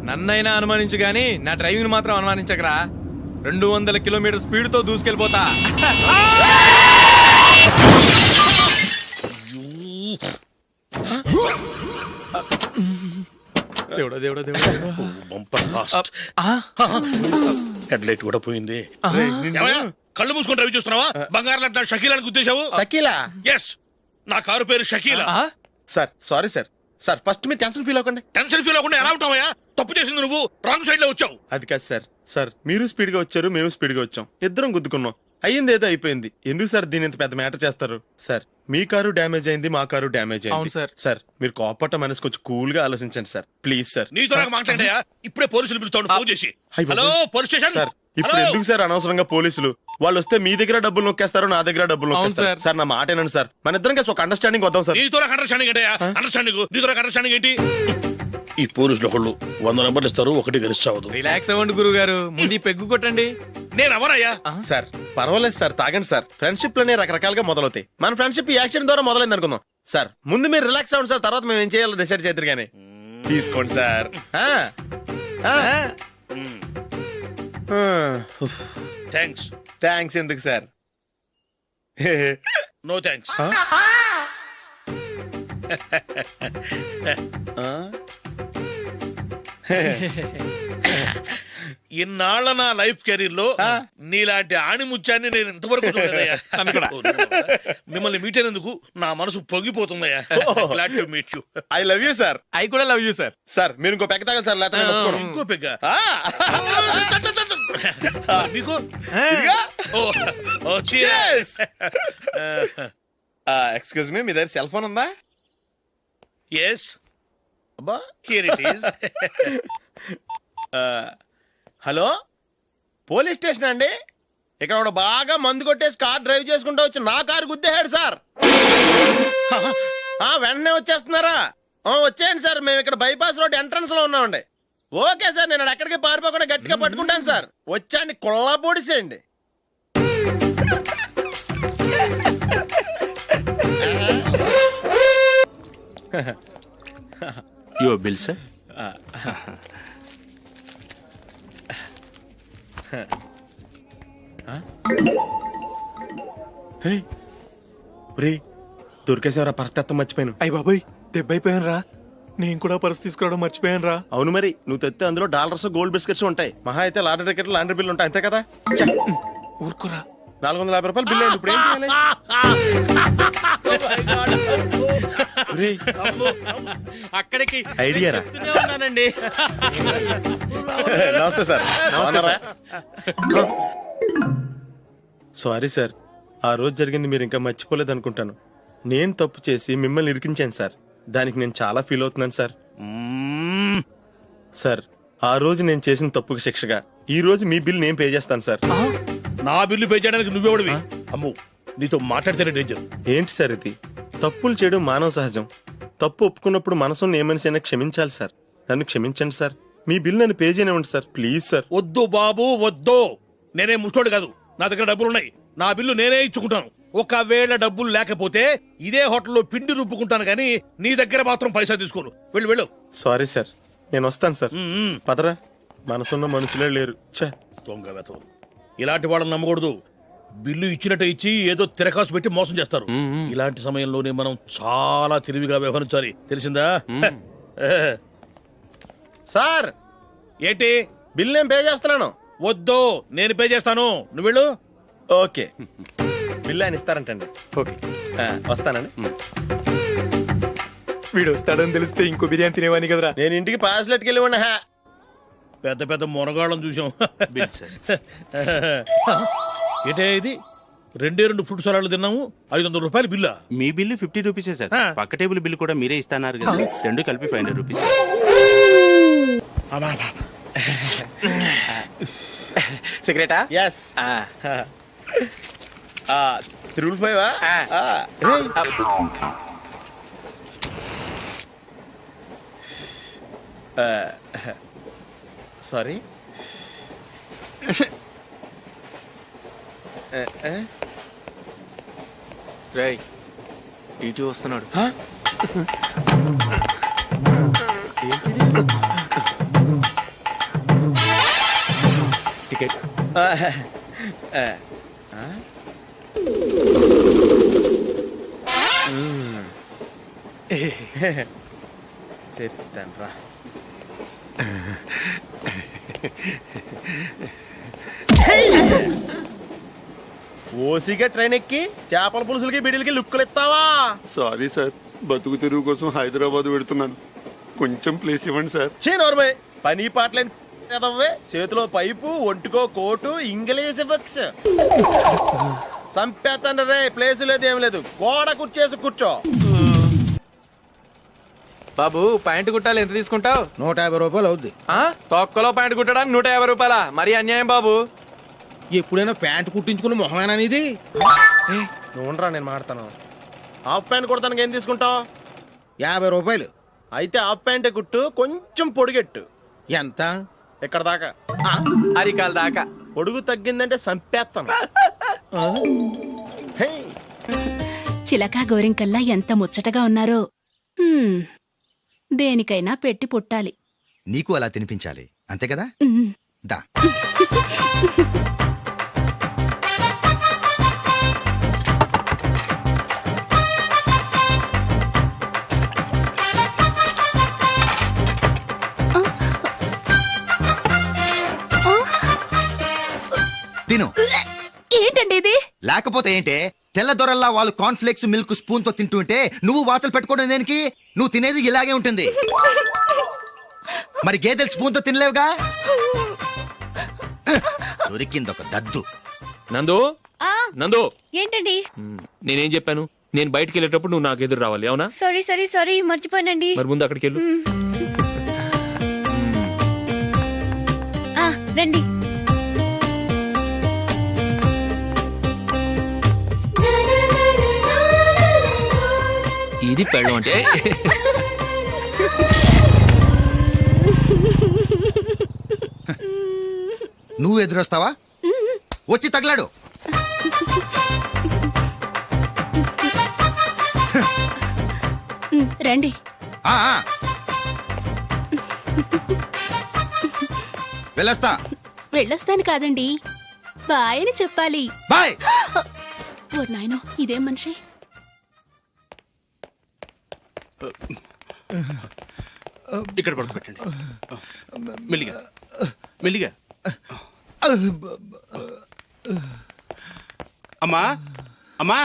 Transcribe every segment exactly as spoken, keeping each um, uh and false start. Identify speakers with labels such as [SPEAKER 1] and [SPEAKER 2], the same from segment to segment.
[SPEAKER 1] నన్నైనా అనుమానించు గాని నా డ్రైవింగ్ మాత్రం అనుమానించకరా. రెండు వందల కిలోమీటర్ స్పీడ్ తో దూసుకెళ్ళిపోతా. దేవుడా దేవుడా దేవుడా
[SPEAKER 2] హెడ్ లైట్ కూడా పోయింది. కళ్ళు మూసుకొని రవి చూస్తున్నావా? బంగారం లాంటి షకీలాని గుద్దేశావు.
[SPEAKER 3] షకీలా?
[SPEAKER 2] ఎస్, నా కారు పేరు Shakeela.
[SPEAKER 3] Sir sorry sir. Sir first మీరు టెన్షన్ ఫీల్ అవ్వకండి.
[SPEAKER 2] టెన్షన్ ఫీల్ అవ్వకుండా ఎలా ఉంటావయ్యా? తప్పు చేసింది నువ్వు, రాంగ్ సైడ్ లో వచ్చావు.
[SPEAKER 3] అది కాదు సార్. సార్ మీరు స్పీడ్ గా వచ్చారు, మేము స్పీడ్ గా వచ్చాం, ఇద్దరం గుద్దుకున్నాం. అయ్యింది ఏదో అయిపోయింది. ఎందుకు సార్ దీని ఇంత పెద్ద మ్యాటర్ చేస్తారు? సార్ మీ కారు డ్యామేజ్ అయింది, మా కారు డ్యామేజ్ అయింది.
[SPEAKER 1] సార్
[SPEAKER 3] సార్ మీరు కోపట్ట మనసు కొంచెం కూల్ గా ఆలోచించండి సార్, ప్లీజ్ సార్.
[SPEAKER 2] నీతో నాకు మాట్లాడాయా? ఇప్పుడే పోలీసులు పిలుస్తాను, ఫోన్ చేసి. Hello police station.
[SPEAKER 3] సార్ ఇప్పుడు ఎందుకు సార్ అనవసరంగా పోలీసులు? వాళ్ళు వస్తే మీ దగ్గర డబ్బులు నొక్కేస్తారు, నా దగ్గర డబ్బులు నొక్కేస్తారు. సార్ నా మాట ఏనండి సార్, మన ఇద్దరం కలిసి ఒక అండర్స్టాండింగ్ వద్దాం సార్.
[SPEAKER 2] నీతో నాకు అండర్స్టాండింగ్ ఏంటయ్యా? అండర్స్టాండింగ్ నీతో నాకు అండర్స్టాండింగ్ ఏంటి? ఈ పోలీసులు ఒకళ్ళు వంద నెంబర్లు ఇస్తారు, ఒకటి గెలిచావదు.
[SPEAKER 1] రిలాక్స్ అవ్వండి గురువు గారు, ముందు పెగ్గు కొట్టండి.
[SPEAKER 2] నేను ఎవరయ్యా?
[SPEAKER 3] సార్ పర్వాలేదు సార్, తాగండి సార్. ఫ్రెండ్షిప్ లోనే రకరకాలుగా మొదలవుతాయి. మన ఫ్రెండ్షిప్ ఈ యాక్సిడెంట్ ద్వారా మొదలైంది అనుకుందాం. సార్ ముందు మీరు రిలాక్స్ అవ్వండి సార్, తర్వాత మేము ఏం చేయాలో డిసైడ్ చేద్దరు కానీ. తీసుకోండి సార్.
[SPEAKER 2] థ్యాంక్స్.
[SPEAKER 3] థ్యాంక్స్ ఎందుకు సార్?
[SPEAKER 2] No thanks. ఇన్నాళ్ళ నా లైఫ్ కెరీర్ లో నీలాంటి ఆణిముత్యాన్ని నేను ఇంతవరకు చూడలేదయ్యా. మిమ్మల్ని మీట్ అయినందుకు నా మనసు పొంగిపోతుందయ్యా. Glad to meet you.
[SPEAKER 3] I love you sir.
[SPEAKER 1] I కూడా లవ్ యూ సార్.
[SPEAKER 3] సార్ మీరు ఇంకో పెగ్గ తాగండి సార్, లేకపోతే
[SPEAKER 2] ఇంకో పెగ్గ మీకు.
[SPEAKER 3] ఎక్స్క్యూజ్ మీ, మీ దగ్గర సెల్ ఫోన్ ఉందా?
[SPEAKER 2] ఎస్,
[SPEAKER 3] అబ్బా
[SPEAKER 2] here it is.
[SPEAKER 3] Hello, police station అండి. ఇక్కడ ఒక బాగా మందు కొట్టేసి కార్ డ్రైవ్ చేసుకుంటూ వచ్చి నా కారు గుద్దేశాడు సార్. వెంటనే వచ్చేస్తున్నారా? వచ్చేయండి సార్, మేము ఇక్కడ బైపాస్ రోడ్ ఎంట్రన్స్ లో ఉన్నామండి. ఓకే సార్, నేను ఎక్కడికి పారిపోకుండా గట్టిగా పట్టుకుంటాను సార్. వచ్చాండి, కుళ్ళ పొడిసేయండి.
[SPEAKER 4] Your bill, sir.
[SPEAKER 3] దొరికేసేవరా, పరిస్థితి మర్చిపోయాను.
[SPEAKER 1] అయ్య బాబాయ్, దెబ్బైపోయాను రా. నేను కూడా పర్స్ తీసుకురావడం మర్చిపోయాను రా.
[SPEAKER 3] అవును మరి, నువ్వు తెస్తే అందులో డాలర్స్ గోల్డ్ బిస్కెట్స్ ఉంటాయి. మహా అయితే లాటరీ టికెట్ లాండ్రీ బిల్లు ఉంటాయి, అంతే కదా?
[SPEAKER 1] ఊరుకురా.
[SPEAKER 3] నాలుగు వందల యాభై రూపాయలు బిల్లు. ఇప్పుడు ఏం చేయాలి?
[SPEAKER 4] అక్కడికి
[SPEAKER 3] ఐడియా రా. నమస్తే సార్. సారీ సార్, ఆ రోజు జరిగింది మీరు ఇంకా మర్చిపోలేదు అనుకుంటాను. నేను తప్పు చేసి మిమ్మల్ని ఇరికించాను సార్. దానికి నేను చాలా ఫీల్ అవుతున్నాను సార్. సార్ ఆ రోజు నేను చేసిన తప్పుకి శిక్షగా ఈ రోజు మీ బిల్ నేను పే చేస్తాను సార్.
[SPEAKER 2] నా బిల్లు పే చేయడానికి నువ్వెవడివి? అమ్మో, నీతో మాట్లాడితేనే డేంజర్.
[SPEAKER 3] ఏంటి సార్ ఇది? తప్పులు చేయడం మానవ సహజం. తప్పు ఒప్పుకున్నప్పుడు మనసుని ఏ మనిషి అయినా క్షమించాలి సార్. నన్ను క్షమించండి సార్. మీ బిల్ నన్ను పే చేయనివ్వండి సార్, ప్లీజ్ సార్.
[SPEAKER 2] వద్దు బాబు వద్దు, నేనే ముష్టోడు కాదు. నా దగ్గర డబ్బులు ఉన్నాయి, నా బిల్లు నేనే ఇచ్చుకుంటాను. ఒకవేళ డబ్బులు లేకపోతే ఇదే హోటల్లో పిండి రుబ్బుకుంటాను, కానీ నీ దగ్గర మాత్రం పైసా తీసుకోను. వెళ్ళు వెళ్ళు.
[SPEAKER 3] సారీ సార్, నేను వస్తాను సార్. పదరా, మనసున్న మనుషులే లేరు.
[SPEAKER 2] దొంగ వెతవరు, ఇలాంటి వాళ్ళని నమ్మకూడదు. బిల్లు ఇచ్చినట్టు ఇచ్చి ఏదో తిరకాసు పెట్టి మోసం చేస్తారు. ఇలాంటి సమయంలోనే మనం చాలా తెలివిగా వ్యవహరించాలి, తెలిసిందా?
[SPEAKER 3] సార్
[SPEAKER 2] ఏంటి?
[SPEAKER 3] బిల్ నేను పే చేస్తున్నాను.
[SPEAKER 2] వద్దు, నేను పే చేస్తాను, నువ్వు వెళ్ళు.
[SPEAKER 3] ఓకే, బిల్ ఆయన ఇస్తారంటండి.
[SPEAKER 1] ఓకే,
[SPEAKER 3] వస్తానండి.
[SPEAKER 1] వీడు వస్తాడని తెలిస్తే ఇంకో బిర్యానీ తినేవాని కదరా.
[SPEAKER 3] నేను ఇంటికి పాస్లెట్కి వెళ్ళి ఉన్నా.
[SPEAKER 2] పెద్ద పెద్ద మునగాళ్ళం చూసాం. ఏంటే ఇది? రెండే రెండు ఫుడ్ సలాడ్లు తిన్నాము, ఐదు వందల రూపాయలు బిల్లా?
[SPEAKER 4] మీ బిల్లు ఫిఫ్టీ రూపీసే సార్. పక్క టేబుల్ బిల్లు కూడా మీరే ఇస్తాన్నారు కదా, రెండు కలిపి ఫైవ్ హండ్రెడ్ రూపీస్.
[SPEAKER 1] సిగరెటా?
[SPEAKER 3] ఎస్. Triple five. సారీ.
[SPEAKER 1] రేయ్, టీటీ వస్తున్నాడు.
[SPEAKER 3] ఆ, ఆ, ఆ? మ్మ్. చెప్తాను రా. ఓసిగా ట్రైన్ ఎక్కి చేపల పులుసులకి బిడిలకి లుక్కులు ఇస్తావా?
[SPEAKER 5] సారీ సార్, బతుకు తెరువు కోసం హైదరాబాద్ పెడుతున్నాను. కొంచెం ప్లేస్ ఇవ్వండి సార్.
[SPEAKER 3] చే నోర్మే, పని పాటలేని ఎదవ్వే. చేతిలో పైపు, ఒంటికో కోటు, ఇంగ్లీష్ బుక్స్. సంపేతండ్రి రే, ప్లేస్ లేదు ఏం లేదు. గోడ కుర్చేసి కూర్చో.
[SPEAKER 1] బాబు ప్యాంటు కుట్టాలి ఎంత తీసుకుంటావు?
[SPEAKER 2] నూట యాభై రూపాయలు అవుద్ది.
[SPEAKER 1] తొక్కలో ప్యాంటు కుట్టడానికి నూట యాభై రూపాయల మరి అన్యాయం బాబు.
[SPEAKER 2] ఎప్పుడైనా ప్యాంట్ కుట్టించుకున్న మొహమేనా ఇది?
[SPEAKER 3] నువ్వురా, నేను మాడతాను. హాఫ్ ప్యాంట్ కుడతానికి ఏం తీసుకుంటావు?
[SPEAKER 2] యాభై రూపాయలు.
[SPEAKER 3] అయితే హాఫ్ ప్యాంటే కుట్టు, కొంచెం పొడిగెట్టు.
[SPEAKER 2] ఎంత?
[SPEAKER 3] ఎక్కడ దాకా?
[SPEAKER 1] అరికాల దాకా.
[SPEAKER 3] పొడుగు తగ్గిందంటే సంపేస్తాను. హే,
[SPEAKER 6] చిలకా గోరింకల్లా ఎంత ముచ్చటగా ఉన్నారో. హ్మ్, దేనికైనా పెట్టి పుట్టాలి.
[SPEAKER 7] నీకు అలా తినిపించాలి అంతే కదా.
[SPEAKER 6] ఉమ్.
[SPEAKER 7] దా తిను.
[SPEAKER 6] ఏంటండి ఇది?
[SPEAKER 7] లేకపోతే ఏంటే, తెల్ల దొరల్లా వాళ్ళు కాన్ఫ్లెక్స్ మిల్క్ స్పూన్ తో తింటుంటే నువ్వు వాతలు పెట్టుకోవడం దేనికి? నువ్వు తినేది ఇలాగే ఉంటుంది. మరి గేదెలు స్పూన్ తో తినలేవుగా. దొరికింది ఒక దద్దు.
[SPEAKER 8] నందు నందు
[SPEAKER 9] ఏంటండి?
[SPEAKER 8] నేనేం చెప్పాను? నేను బయటికి వెళ్ళేటప్పుడు నువ్వు నాకు ఎదురు రావాలి, అవునా?
[SPEAKER 9] సారీ సారీ సారీ మర్చిపోయానండి.
[SPEAKER 8] మరి ముందు అక్కడికి వెళ్ళు.
[SPEAKER 9] ఆ, రండి.
[SPEAKER 8] ఇది పెళ్ళం అంటే.
[SPEAKER 7] నువ్వు ఎదురొస్తావా? వచ్చి తగలాడు.
[SPEAKER 6] ఉమ్, రండి.
[SPEAKER 7] ఆ, ఆ. వెళ్ళొస్తా.
[SPEAKER 6] వెళ్ళొస్తాను కాదండి, బాయ్ అని చెప్పాలి.
[SPEAKER 7] బాయ్.
[SPEAKER 6] ఓ నాయనో, ఇదేం మనిషి?
[SPEAKER 4] ఇక్కడ పడుకోబెట్టండి. మెల్లిగా మెల్లిగా. అమ్మా అమ్మా.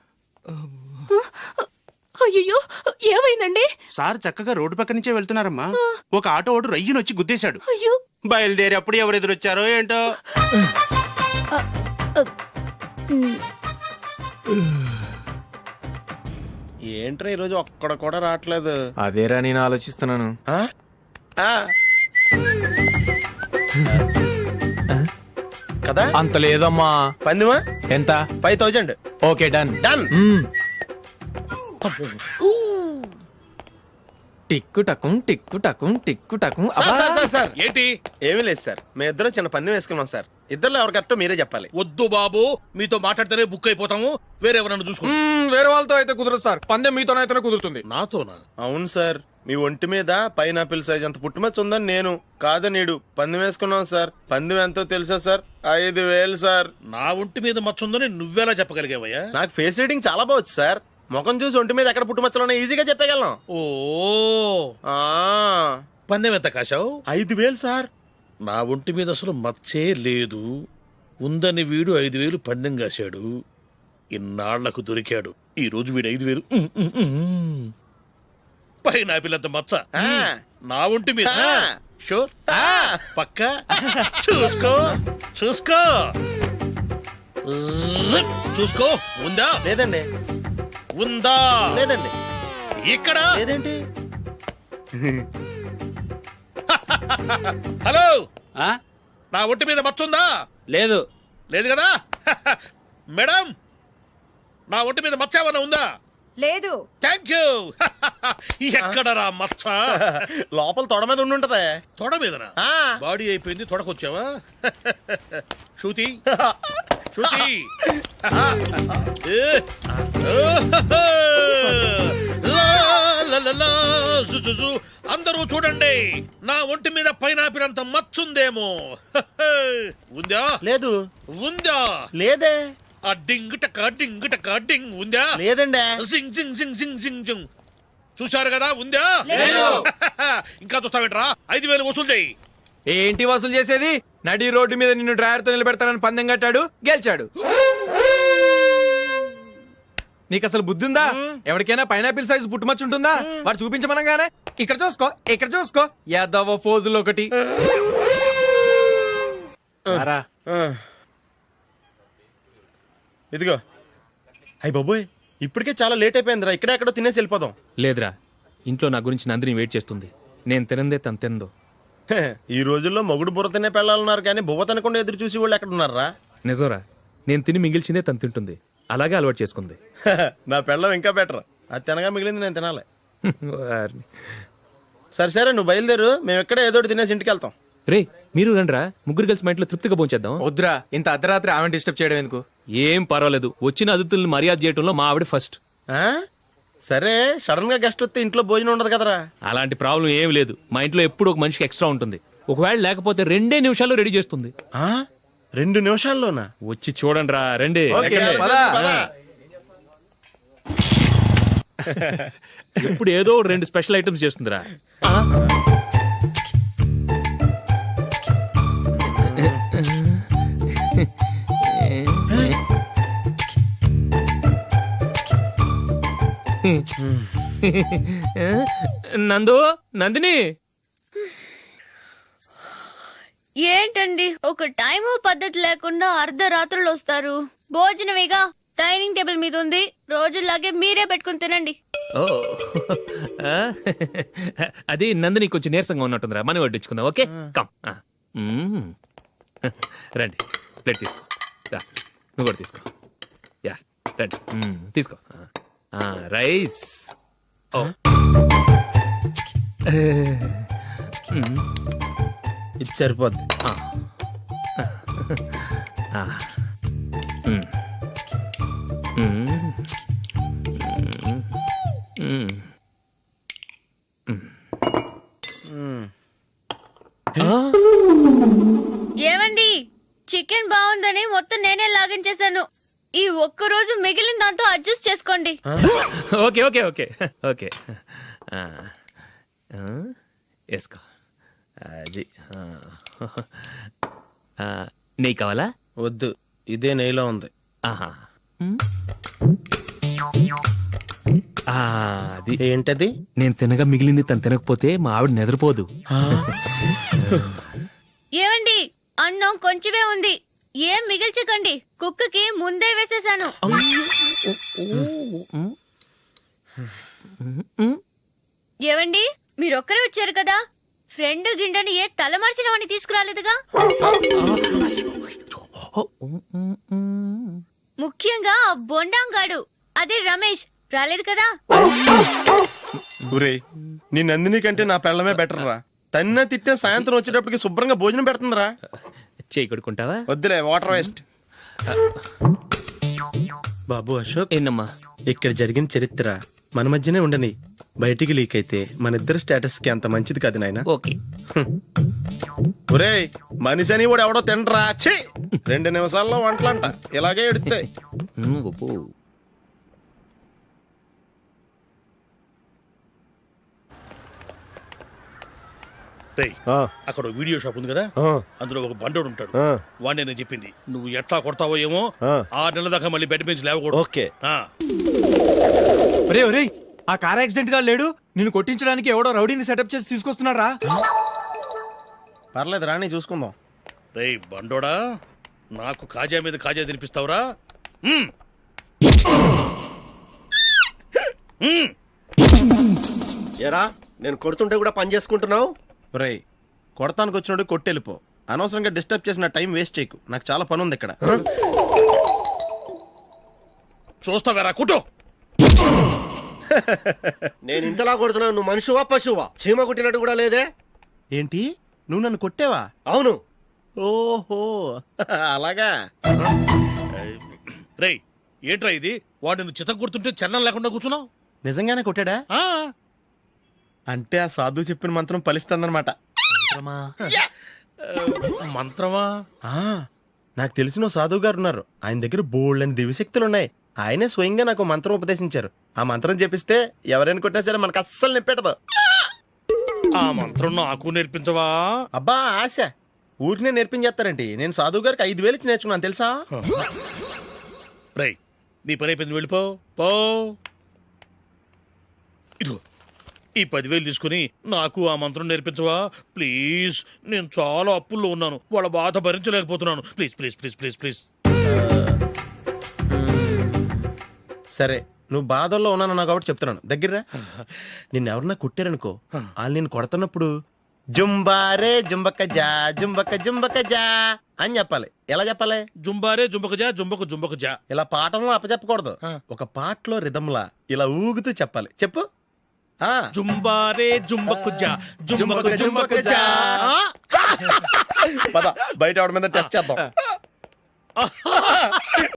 [SPEAKER 6] అయ్యో, ఏమైందండి?
[SPEAKER 4] సార్ చక్కగా రోడ్డు పక్క నుంచే వెళ్తున్నారమ్మా. ఒక ఆటో ఓడు రయ్యను వచ్చి గుద్దేశాడు.
[SPEAKER 6] అయ్యో.
[SPEAKER 4] బయలుదేరి అప్పుడు ఎవరు ఎదురొచ్చారో ఏంటో.
[SPEAKER 6] ఉమ్,
[SPEAKER 3] ఏంట్రా ఈరోజు ఒక్కడ కూడా రావట్లేదు?
[SPEAKER 1] అదేరా నేను ఆలోచిస్తున్నాను.
[SPEAKER 3] ఆ? ఆ. కదా
[SPEAKER 1] అంత లేదమ్మా.
[SPEAKER 3] పందిమా
[SPEAKER 1] ఎంత?
[SPEAKER 3] Five thousand.
[SPEAKER 1] Okay done
[SPEAKER 3] done.
[SPEAKER 1] టిక్కు టకుం టిక్కు టకుం టిక్కు టకుం.
[SPEAKER 2] Sir, sir, sir, sir.
[SPEAKER 3] ఏంటి? ఏమీ లేదు సార్, మేము ఇద్దరం చిన్న పందెం వేసుకున్నాం సార్. ఇద్దరులో ఎవరు కరెక్టో మీరే చెప్పాలి.
[SPEAKER 2] వద్దు బాబు, మీతో మాట్లాడితేనే బుక్ అయిపోతాము. వేరెవరన్నా చూసుకోండి.
[SPEAKER 1] మ్మ్, వేరే వాళ్ళతో అయితే కుదరదు సార్. పందెం మీతోనైతేనే కుదురుతుంది.
[SPEAKER 2] నాతోనా?
[SPEAKER 3] అవును సార్, మీ ఒంటి మీద పైనాపిల్ సైజ్ అంత పుట్టుమచ్చ ఉందని నేను కాదు నీడు పందెం వేసుకున్నాం సార్. పందెం ఎంతో తెలుసా సార్? ఐదు వేలు సార్.
[SPEAKER 2] నా ఒంటి మీద మచ్చ ఉందని నువ్వెలా చెప్పగలిగావయ్యా?
[SPEAKER 3] నాకు ఫేస్ రీడింగ్ చాలా బాగుంది సార్. ముఖం చూసి ఒంటి మీద ఎక్కడ పుట్టుమచ్చలో ఈజీగా చెప్పగలను.
[SPEAKER 2] ఓ,
[SPEAKER 3] ఆ,
[SPEAKER 2] పందెం ఎంత కాశావు?
[SPEAKER 3] ఐదు వేలు సార్.
[SPEAKER 2] నా ఒంటి మీద అసలు మచ్చే లేదు. ఉందని వీడు ఐదు వేలు పందెం కాశాడు. ఇన్నాళ్లకు దొరికాడు. ఈ రోజు వీడు ఐదు వేలు ఉమ్, ఉమ్, ఉమ్. పైన పిల్లంత మచ్చ
[SPEAKER 3] ఆ.
[SPEAKER 2] నా ఒంటి మీద.
[SPEAKER 3] ఆ.
[SPEAKER 2] షూర్.
[SPEAKER 3] ఆ.
[SPEAKER 2] పక్క చూసుకో చూసుకో జిప్. చూసుకో. ఉందా?
[SPEAKER 3] లేదండి.
[SPEAKER 2] ఉందా?
[SPEAKER 3] లేదండి.
[SPEAKER 2] ఇక్కడ
[SPEAKER 3] లేదేంటి?
[SPEAKER 2] హలో,
[SPEAKER 4] ఆ?
[SPEAKER 2] నా ఒంటి మీద మచ్చ ఉందా?
[SPEAKER 4] లేదు.
[SPEAKER 2] లేదు కదా? మేడం, నా ఒంటి మీద మచ్చ ఏమన్నా ఉందా?
[SPEAKER 10] లేదు.
[SPEAKER 2] Thank you. ఎక్కడరా మచ్చ?
[SPEAKER 3] లోపల తొడ మీద ఉండి ఉంటది.
[SPEAKER 2] తొడ మీదనా?
[SPEAKER 3] ఆ.
[SPEAKER 2] బాడీ అయిపోయింది, తొడకొచ్చావా? శృతి శృతి. ఏ. లా, లా, లా, లలలా, జుజుజు. అందరూ చూడండి, నా ఒంటి మీద పైనాపిల్ అంత మచ్చుందేమో. ఉందా?
[SPEAKER 3] లేదు
[SPEAKER 2] ఉందా?
[SPEAKER 3] లేదే
[SPEAKER 2] ఆ డింగ్ టక డింగ్ టక డింగ్ ఉందా?
[SPEAKER 3] లేదండి
[SPEAKER 2] జింగ్ జింగ్ జింగ్ జింగ్ జింగ్ జింగ్. చూశారు కదా, ఉందా? ఇంకా చూస్తావేంట్రా? ఐదు వేలు వసూలు చేయి.
[SPEAKER 1] ఏంటి వసూలు చేసేది? నడి రోడ్డు మీద నిన్ను డ్రైవర్ తో నిలబెడతానని పందెం కట్టాడు, గెలిచాడు. నీకు అసలు బుద్ధి ఉందా? ఎవరికైనా పైనాపిల్ సైజు పుట్టుమచ్చు ఉంటుందా? వాడు చూపించమనగానే ఇక్కడ చూసుకో, ఇక్కడ చూసుకో, యాదవ ఫోజులు ఒకటి.
[SPEAKER 4] రారా.
[SPEAKER 3] ఇదిగో అయ్యి బాబోయ్, ఇప్పటికే చాలా లేట్ అయిపోయిందిరా. ఇక్కడే ఎక్కడో తినేసి వెళ్ళిపోదాం.
[SPEAKER 8] లేదురా, ఇంట్లో నా గురించి నందిని వెయిట్ చేస్తుంది. నేను తినందే తను తిందో.
[SPEAKER 3] హే, ఈ రోజుల్లో మొగుడు బుర్ర తినే పెళ్ళాలన్నారు కానీ బువ్వ తినకుండా ఎదురు చూసి వాళ్ళు ఎక్కడ ఉన్నారా?
[SPEAKER 8] నిజంరా, నేను తిని మిగిల్చిందే తను తింటుంది. అలాగే అలవాటు చేసుకుంది.
[SPEAKER 3] నా పెళ్ళం ఇంకా బెటర్. అది తినగా మిగిలింది నేను తినాలి.
[SPEAKER 8] వారిని.
[SPEAKER 3] సరే సరే నువ్వు బయలుదేరు, మేము ఎక్కడే ఏదో ఒకటి తినేసి ఇంటికి వెళ్తాం.
[SPEAKER 8] రే, మీరు రండ్రా, ముగ్గురు కలిసి మా ఇంట్లో తృప్తిగా పోంచేద్దాం.
[SPEAKER 1] వద్దురా, ఇంత అర్ధరాత్రి ఆమె డిస్టర్బ్ చేయడం ఎందుకు?
[SPEAKER 8] ఏం పర్వాలేదు, వచ్చిన అతిథుల్ని మర్యాద చేయడంలో మా ఆవిడ ఫస్ట్.
[SPEAKER 3] ఆ? సరే సడన్ గా గెస్ట్ వస్తే ఇంట్లో భోజనం ఉండదు కదరా.
[SPEAKER 8] అలాంటి ప్రాబ్లం ఏం లేదు. మా ఇంట్లో ఎప్పుడు ఒక మనిషికి ఎక్స్ట్రా ఉంటుంది. ఒకవేళ లేకపోతే రెండే నిమిషాల్లో రెడీ చేస్తుంది.
[SPEAKER 3] ఆ? రెండు నిమిషాల్లోనా?
[SPEAKER 8] వచ్చి చూడండి రా, రండి.
[SPEAKER 1] ఓకే,
[SPEAKER 3] ఎక్కడ?
[SPEAKER 1] పద.
[SPEAKER 3] పద.
[SPEAKER 8] ఇప్పుడు ఏదో రెండు స్పెషల్ ఐటమ్స్ చేస్తుందిరా. ఆ? నందు, నందిని,
[SPEAKER 9] ఏంటండి ఒక టైము పద్ధతి లేకుండా అర్ధరాత్రులు వస్తారు? భోజనమేగా డైనింగ్ టేబుల్ మీద ఉంది, రోజుల్లాగే మీరే పెట్టుకుని తినండి.
[SPEAKER 8] ఓ ఆ? అది నందిని కొంచెం నీరసంగా ఉన్నట్టుందిరా, మనం వడ్డించుకుందాం. Okay, come. ఆ. మ్మ్. రండి, ప్లేట్ తీసుకో. రా, నువ్వు కూడా తీసుకో. యా, రండి. మ్మ్, తీసుకో. ఆ, రైస్. ఓ. మ్మ్.
[SPEAKER 3] ఇది సరిపోద్ది.
[SPEAKER 8] ఆ. ఆ. మ్మ్. మ్మ్. మ్మ్. మ్మ్.
[SPEAKER 9] ఏమండి, చికెన్ బాగుందని మొత్తం నేనే లాగించేశాను. ఈ ఒక్క రోజు మిగిలిన దాంతో అడ్జస్ట్ చేసుకోండి.
[SPEAKER 8] Okay okay okay okay. ఆ. ఆ, వేసుకో. అది. ఆ. ఆ, నెయ్యి కావాలా?
[SPEAKER 3] వద్దు, ఇదే నెయ్యిలో ఉంది.
[SPEAKER 8] ఆహా. ఆ, అది.
[SPEAKER 3] ఏంటది?
[SPEAKER 8] నేను తినగా మిగిలింది తను తినకపోతే మా ఆవిడ నిద్రపోదు.
[SPEAKER 9] ఏమండి, అన్నం కొంచెమే ఉంది, ఏం మిగిల్చకండి. కుక్కకి ముందే వేసేసాను. ఏవండి, మీరొక్కరే వచ్చారు కదా, ఫ్రెండ్ గిండెని ఏ తలమార్చిన వాడిని తీసుకురాలేదుగా? ముఖ్యంగా ఆ బొండాంగాడు, అదే రమేష్, రాలేదు కదా?
[SPEAKER 3] ఊరే, నీ నందిని కంటే నా పెళ్ళమే బెటర్ రా. తన్న తిట్టిన సాయంత్రం వచ్చేటప్పటికి శుభ్రంగా భోజనం పెడుతుందిరా.
[SPEAKER 8] చేయి కొడుకుంటావా?
[SPEAKER 3] వద్దులే, వాటర్ వేస్ట్. బాబు అశోక్,
[SPEAKER 8] ఏంటమ్మా?
[SPEAKER 3] ఇక్కడ జరిగిన చరిత్ర మన మధ్యనే ఉండని, బయటికి లీక్ అయితే మన ఇద్దరు స్టేటస్ కి అంత మంచిది కాదు నాయన.
[SPEAKER 8] ఓకే.
[SPEAKER 3] ఒరే, మనిషి అని కూడా ఎవడో తినరా. ఛీ, రెండు నిమిషాల్లో వంటలంట ఇలాగే ఎడితే.
[SPEAKER 8] ఉమ్, ఒప్పు.
[SPEAKER 2] రేయ్, అక్కడ ఓ వీడియో షాప్ ఉంది కదా, అందులో ఒక బండోడు ఉంటాడు. వాడిని నేను చెప్పింది, నువ్వు ఎట్లా కొడతావో ఏమో, ఆరు నెలల దాకా మళ్ళీ బెడ్ బెంచ్ లేవకూడదు.
[SPEAKER 3] ఓకే.
[SPEAKER 2] ఆ.
[SPEAKER 1] ఒరే ఒరే, ఆ కార్ యాక్సిడెంట్ గా లేడు, నిన్ను కొట్టించడానికి ఎవడో రౌడీని సెటప్ చేసి తీసుకొస్తున్నారా?
[SPEAKER 3] పర్లేదు రాని, చూసుకుందాం.
[SPEAKER 2] రేయ్ బండోడా, నాకు కాజా మీద కాజా తినిపిస్తావురా? మ్మ్. మ్మ్.
[SPEAKER 10] ఎరా, నేను కొడుతుంటే కూడా పని చేసుకుంటున్నావు?
[SPEAKER 3] ఒరే, కొడతానికి వచ్చినట్టు కొట్టెళ్ళిపో. అనవసరంగా డిస్టర్బ్ చేసిన టైం వేస్ట్ చేయకు, నాకు చాలా పని ఉంది ఇక్కడ.
[SPEAKER 2] చూస్తావేరా కుట్టు.
[SPEAKER 10] నేను ఇంతలా కొడుతున్నావు, నువ్వు మనిషివా పశువా? చీమ కుట్టినట్టు కూడా లేదే.
[SPEAKER 3] ఏంటి, నువ్వు నన్ను కొట్టేవా?
[SPEAKER 10] అవును.
[SPEAKER 3] ఓహో, అలాగా.
[SPEAKER 2] రేయ్, ఏంట్రా ఇది? వాడు నువ్వు చిత్త కొడుతుంటే చలనం లేకుండా కూర్చున్నావు.
[SPEAKER 3] నిజంగానే కొట్టాడా?
[SPEAKER 2] ఆ,
[SPEAKER 3] అంటే ఆ సాధువు చెప్పిన మంత్రం ఫలిస్తుందన్నమాట.
[SPEAKER 2] మంత్రమా?
[SPEAKER 3] ఆ, నాకు తెలిసిన ఓ సాధువు గారు ఉన్నారు. ఆయన దగ్గర బోల్డ్ అని దివ్యశక్తులు ఉన్నాయి. ఆయనే స్వయంగా నాకు మంత్రం ఉపదేశించారు. ఆ మంత్రం చెప్పిస్తే ఎవరైనా కొట్టినా సరే మనకు అస్సలు నిప్పెట్టదు.
[SPEAKER 2] ఆ మంత్రం నాకు నేర్పించవా?
[SPEAKER 3] అబ్బా ఆశ, ఊరినే నేర్పించేస్తారండి. నేను సాధువు గారికి ఐదు వేలు ఇచ్చి నేర్చుకున్నాను తెలుసా.
[SPEAKER 2] రై, నీ పని అయిపోయింది, వెళ్ళిపో పో. ఇదిగో ఈ పదివేలు తీసుకుని నాకు ఆ మంత్రం నేర్పించవా ప్లీజ్? నేను చాలా అప్పుల్లో ఉన్నాను, వాళ్ళ బాధ భరించలేకపోతున్నాను. Please please please please please.
[SPEAKER 3] సరే, నువ్వు బాధల్లో ఉన్నాను నాకు కాబట్టి చెప్తున్నాను. దగ్గర నిన్ను ఎవరన్నా కొట్టారనుకో, వాళ్ళు నేను కొడుతున్నప్పుడు జుంబారే జుంబక్క జా జుంబక్క జుంబక్క జా అని చెప్పాలి. ఎలా చెప్పాలి?
[SPEAKER 2] జుంబారే జుంబకు జా జుంబకు జుంబకు జా.
[SPEAKER 3] ఇలా పాఠంలో అప్పచెప్పకూడదు. ఒక పాటలో రిధంలా ఇలా ఊగుతూ చెప్పాలి. చెప్పు. ఆ
[SPEAKER 2] జుంబారే జుంబకు జా జుంబకు జుంబకు జా.
[SPEAKER 3] పద బయట ఆవిడ మీద టెస్ట్ చేద్దాం.